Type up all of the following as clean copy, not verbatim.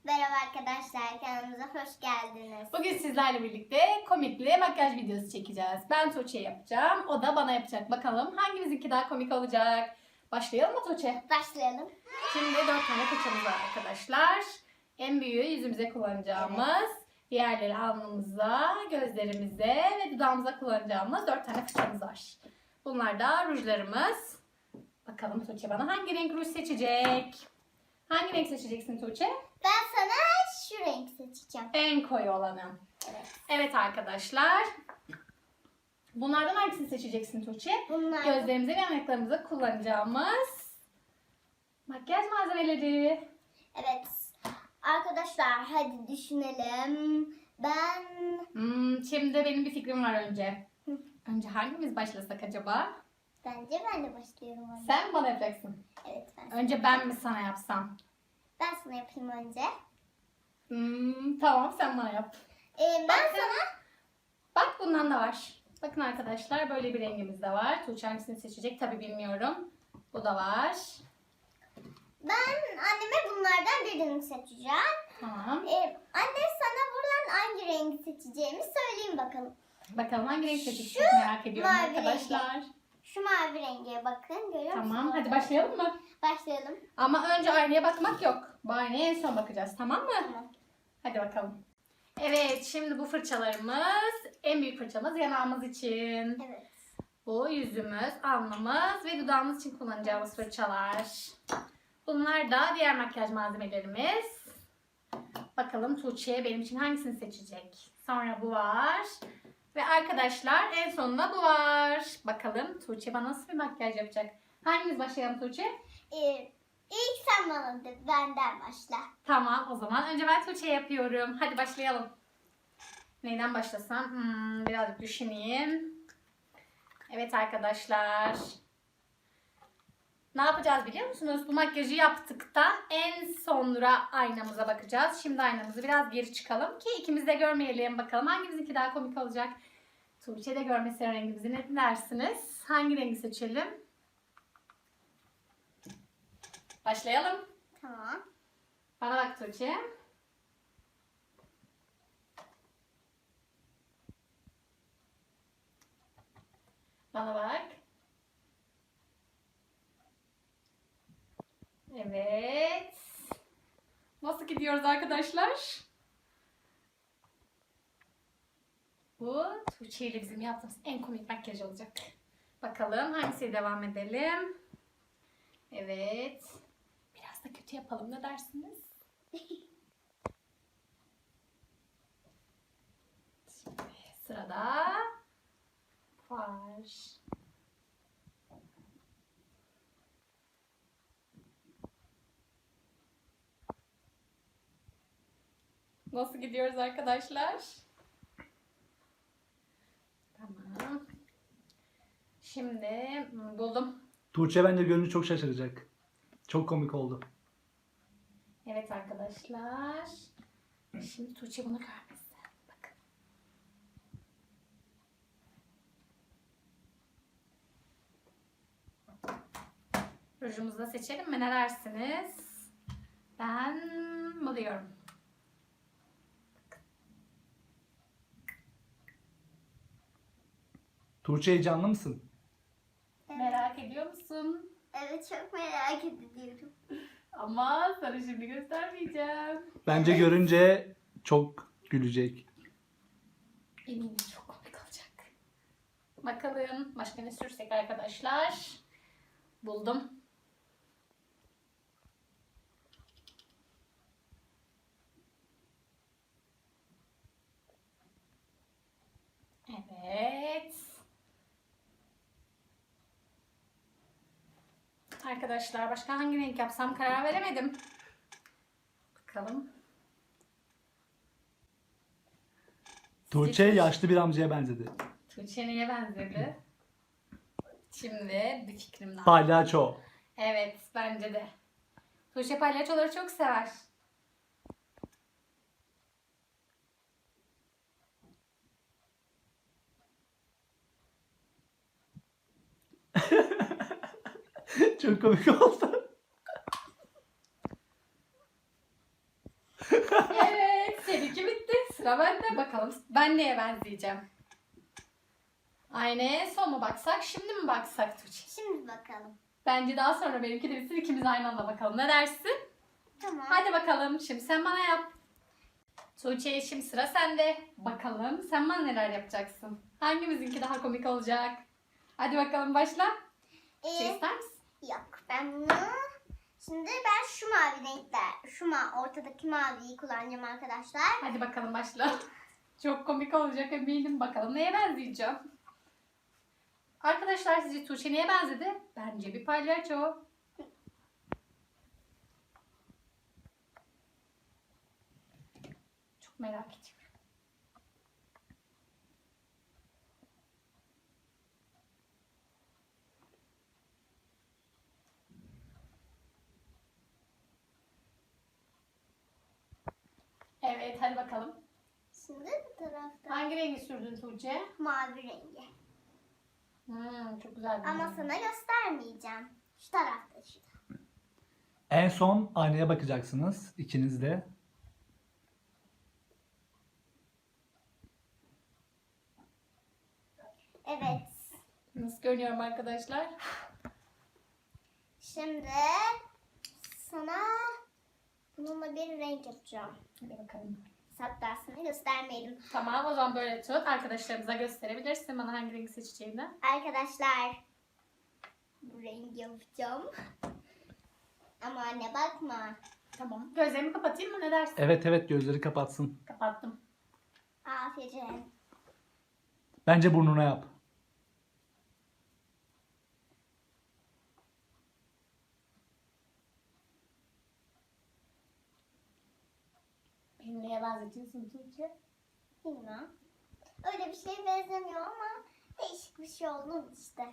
Merhaba arkadaşlar, kanalımıza hoş geldiniz. Bugün sizlerle birlikte komikli makyaj videosu çekeceğiz. Ben Tuğçe yapacağım, o da bana yapacak. Bakalım hangimizinki daha komik olacak? Başlayalım mı Tuğçe? Başlayalım. Şimdi 4 tane fırçamız var arkadaşlar. En büyüğü yüzümüze kullanacağımız, diğerleri alnımıza, gözlerimize ve dudağımıza kullanacağımız 4 tane fırçamız var. Bunlar da rujlarımız. Bakalım Tuğçe bana hangi renk ruj seçecek? Hangi renk seçeceksin Tuğçe? Ben sana şu renk seçeceğim. En koyu olanı. Evet. Evet arkadaşlar. Bunlardan hangisini seçeceksin Tuğçe? Bunlar. Gözlerimize ve yanaklarımıza kullanacağımız makyaj malzemeleri. Evet. Arkadaşlar hadi düşünelim. Ben... Şimdi benim bir fikrim var önce. Önce hangimiz başlasak acaba? Bence ben de başlıyorum. Önce. Sen bana yapacaksın. Evet ben. Önce ben mi sana yapsam? Ben sana yapayım önce. Tamam sen bana yap. Ben sana... Bak bundan da var. Bakın arkadaşlar böyle bir rengimiz de var. Tuğçe hangisini seçecek tabi bilmiyorum. Bu da var. Ben anneme bunlardan birini seçeceğim. Tamam. Anne sana buradan hangi rengi seçeceğimi söyleyeyim bakalım. Bakalım hangi renk seçecek Şu çok merak ediyorum mavi arkadaşlar. Şu mavi renge bakın. Görüyor musunuz? Tamam hadi başlayalım mı? Başlayalım. Ama önce aynaya bakmak yok. Bu aynaya en son bakacağız tamam mı? Tamam. Hadi bakalım. Evet şimdi bu fırçalarımız en büyük fırçamız yanağımız için. Evet. Bu yüzümüz, alnımız ve dudağımız için kullanacağımız fırçalar. Bunlar da diğer makyaj malzemelerimiz. Bakalım Tuğçe benim için hangisini seçecek? Sonra bu var. Ve arkadaşlar en sonunda bu var. Bakalım Tuğçe bana nasıl bir makyaj yapacak? Hangimiz başlayalım Tuğçe? İlk sen bana de, benden başla. Tamam o zaman önce ben Tuğçe yapıyorum. Hadi başlayalım. Neyden başlasam? Birazcık düşüneyim. Evet arkadaşlar. Ne yapacağız biliyor musunuz? Bu makyajı yaptıktan en sonra aynamıza bakacağız. Şimdi aynamızı biraz geri çıkalım ki ikimiz de görmeyelim. Bakalım hangimizinki daha komik olacak. Tuğçe de görmesin rengimizi. Ne dersiniz? Hangi rengi seçelim? Başlayalım. Tamam. Bana bak Tuğçe. Bana bak. Evet. Nasıl gidiyoruz arkadaşlar? Bu Tuğçe ile bizim yaptığımız en komik makyaj olacak. Bakalım hangisiyle devam edelim? Evet. Biraz da kötü yapalım ne dersiniz? Şimdi sırada var. Nasıl gidiyoruz arkadaşlar? Tamam. Şimdi buldum. Tuğçe bence gönlü çok şaşıracak. Çok komik oldu. Evet arkadaşlar. Şimdi Tuğçe bunu görmesin. Bakın. Rujumuzu da seçelim mi? Ne dersiniz? Ben buluyorum. Tuğçe heyecanlı mısın? Merak ediyor musun? Evet çok merak ediyorum. Ama sana şimdi göstermeyeceğim. Bence görünce çok gülecek. Eminim çok komik olacak. Bakalım başka ne sürsek arkadaşlar. Buldum. Evet. Arkadaşlar başka hangi renk yapsam karar veremedim. Bakalım. Tuğçe yaşlı bir amcaya benzedi. Tuğçe neye benzedi? Şimdi bir fikrim daha. Palyaço. Evet bence de. Tuğçe palyaçoları çok sever. Çok komik oldu. Sıra bende bakalım. Ben neye benzeyeceğim? Aynaya son mu baksak, şimdi mi baksak Tuğçe? Şimdi bakalım. Bence daha sonra benimki de bitsin, ikimiz aynı anda bakalım. Ne dersin? Tamam. Hadi bakalım. Şimdi sen bana yap. Tuğçe, şimdi sıra sende. Bakalım sen bana neler yapacaksın? Hangimizinki daha komik olacak? Hadi bakalım başla. Şey ister misin? Yok ben bunu... Şimdi ben şu mavi renkler, ortadaki maviyi kullanacağım arkadaşlar. Hadi bakalım başla. Çok komik olacak eminim. Bakalım neye benzeyeceğim? Arkadaşlar sizce Tuğçe neye benzedi? Bence bir palyaço. Çok merak ediyorum. Evet, hadi bakalım. Şimdi bu tarafta Hangi rengi sürdün Tuğçe? mavi rengi. Çok güzel bir Ama renk. sana göstermeyeceğim. Şu tarafta şu. En son aynaya bakacaksınız ikiniz de. Evet. Nasıl görünüyorum arkadaşlar? Şimdi sana bununla bir renk yapacağım. Hadi bakalım. Hatta sana göstermeyelim. Tamam, o zaman böyle tut. Arkadaşlarımıza gösterebilirsin bana hangi rengi seçeceğini. Arkadaşlar bu rengi yapacağım. Ama anne bakma. Tamam. Gözlerimi kapatayım mı? Ne dersin? Evet evet, gözleri kapatsın. Kapattım. Aferin. Bence burnuna yap. Beni neye benzetiyorsun Tuğçe? Bilmem. Öyle bir şey benzemiyor ama değişik bir şey oldu işte.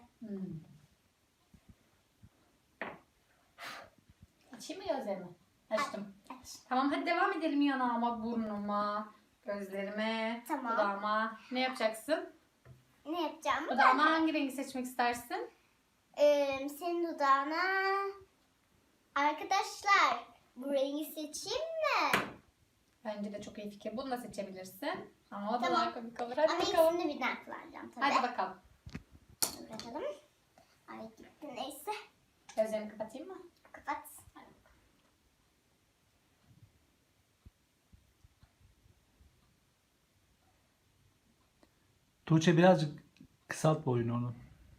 Açayım mı gözlerimi? Açtım. Aç. Tamam, hadi devam edelim yanağıma, burnuma, gözlerime, Tamam. dudağıma. Ne yapacaksın? Ne yapacağım? Dudağıma hangi rengi seçmek istersin? Senin dudağına arkadaşlar bu rengi seçeyim mi? Bence de çok iyi fikir. Bunu da seçebilirsin. Ama o da Tamam. daha komik olur. Hadi Ama bakalım. ikisini birden kullanacağım tabii. Hadi bakalım. Bakalım. Ay gitti neyse. Gözlerimi kapatayım mı? Kapat. Tuğçe birazcık kısalt boyunu onu.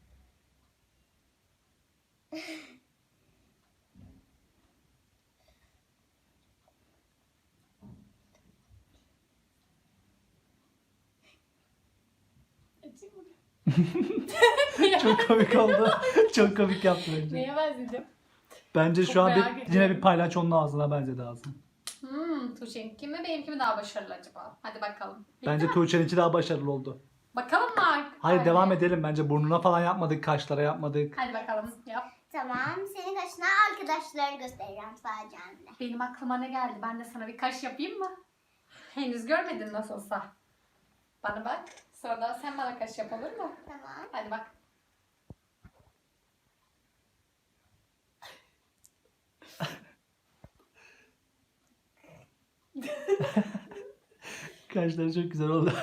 Açayım mı? Çok komik oldu. Çok komik yaptı bence. Neye benzedim? Bence Çok şu an merak yine ediyorum. bir palyaçonun ağzına benzedi ağzın. Tuğçe'ninki mi benimki mi daha başarılı acaba? Hadi bakalım. Bitti Bence mi? Tuğçe'ninki daha başarılı oldu. Bakalım mı? Hayır, Hadi. devam edelim bence. Burnuna falan yapmadık, kaşlara yapmadık. Hadi bakalım yap. Tamam. Senin kaşına arkadaşları göstereceğim sadece anne. Benim aklıma ne geldi? Ben de sana bir kaş yapayım mı? Henüz görmedin nasıl olsa. Bana bak. Sonra da sen bana kaş yap, olur mu? Tamam. Hadi bak. Kaşları çok güzel oldu.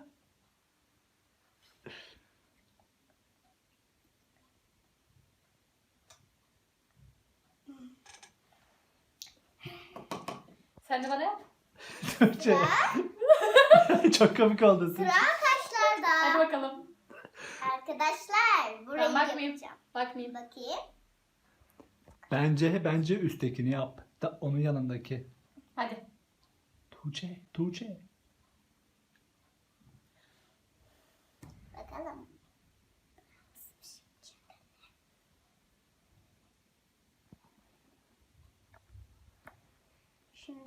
Sen de bana yap. Tuğçe. Çok komik oldu. Sıra kaşlarda. Hadi bakalım. Arkadaşlar bu Ben rengi bakmayayım. yapacağım. Bakmayayım. Bakayım. Bence üsttekini yap. Onun yanındaki. Hadi. Tuğçe. Bakalım. Şimdi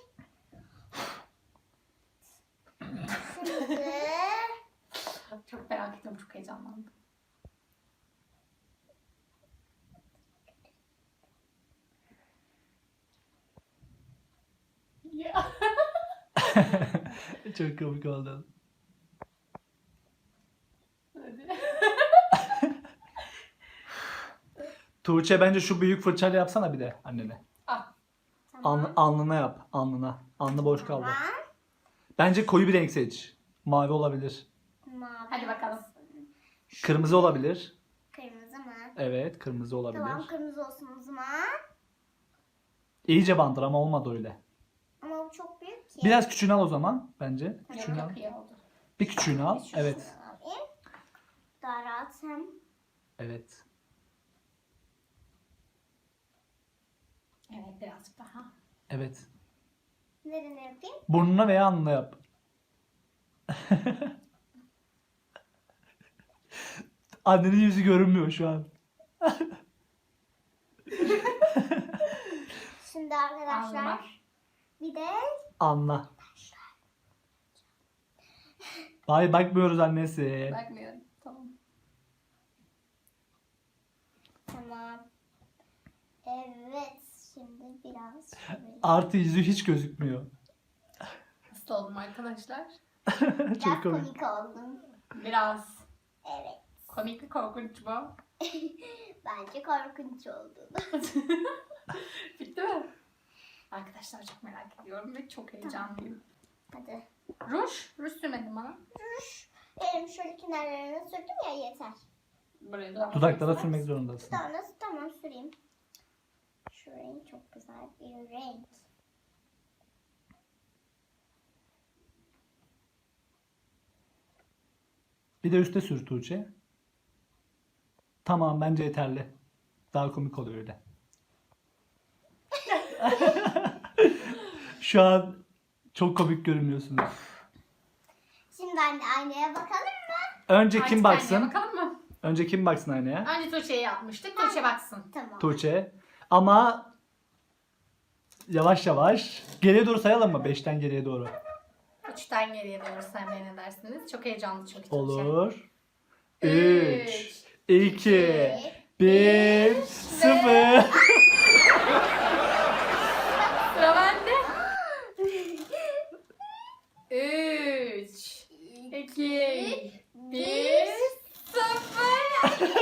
Çok merak ettim. Çok heyecanlandım. Ya. Çok komik oldu. Hadi. Tuğçe, bence şu büyük fırçayla yapsana bir de annene. Ah. tamam. Alnına yap. Alnına. Alnı boş kaldı. Tamam. Bence koyu bir renk seç. Mavi olabilir. Mavi. Hadi bakalım. Kırmızı olabilir. Kırmızı mı? Evet, kırmızı olabilir. Tamam, kırmızı olsun o zaman. İyice bandır ama olmadı öyle. Ama bu çok büyük ki. Biraz küçüğünü al o zaman bence. Küçüğünü al. Çok iyi oldu. Bir küçüğünü al. Şunu Evet. alayım. Daha rahat hem. Evet. Evet, birazcık daha. Evet. Nereye yapayım? Burnuna veya alnına yap. Annenin yüzü görünmüyor şu an. Şimdi arkadaşlar Alnıma. bir de Anla. Hayır bakmıyoruz annesi. Bakmıyorum. Tamam. tamam. Evet, şimdi biraz şöyle. Artı yüzü hiç gözükmüyor. Hasta oldum arkadaşlar. Biraz Çok komik. komik oldum. Biraz. Evet. Komik mi korkunç mu? Bence korkunç oldu. Bitti mi? Arkadaşlar çok merak ediyorum ve çok heyecanlıyım. Hadi. Ruj sürmedim bana. Ruj. Elim şöyle kenarlarına sürdüm ya, yeter. Buraya da Dudaklara sürmek zorundasın. Tamam süreyim. Şu renk çok güzel bir renk. Bir de üste sür Tuğçe. Tamam bence yeterli. Daha komik oluyor öyle. Şu an çok komik görünüyorsunuz. Şimdi aynaya bakalım mı? Önce Artık kim baksın? aynaya bakalım mı? Önce kim baksın aynaya? Önce Tuğçe'ye yapmıştık. Tuğçe baksın. Tamam. Tuğçe. Ama yavaş yavaş. Geriye doğru sayalım mı? 5'ten geriye doğru. 3'ten geriye doğru saymaya ne dersiniz? Çok heyecanlı çünkü Tuğçe. Olur. Üç, 3, 2, 1, 0. Sıra bende. 3, 2, 1, 0.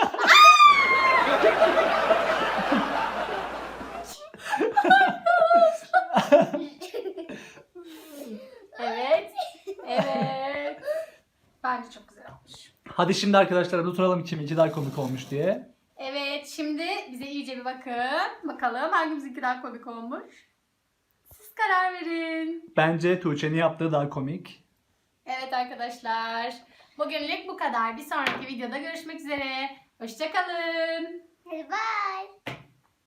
Evet. Evet. Bence çok güzel olmuş. Hadi şimdi arkadaşlar oturalım kiminki daha komik olmuş diye. Evet, şimdi bize iyice bir bakın. Bakalım hangimizinki daha komik olmuş. Siz karar verin. Bence Tuğçe'nin yaptığı daha komik. Evet arkadaşlar. Bugünlük bu kadar. Bir sonraki videoda görüşmek üzere. Hoşça kalın. Hadi bye.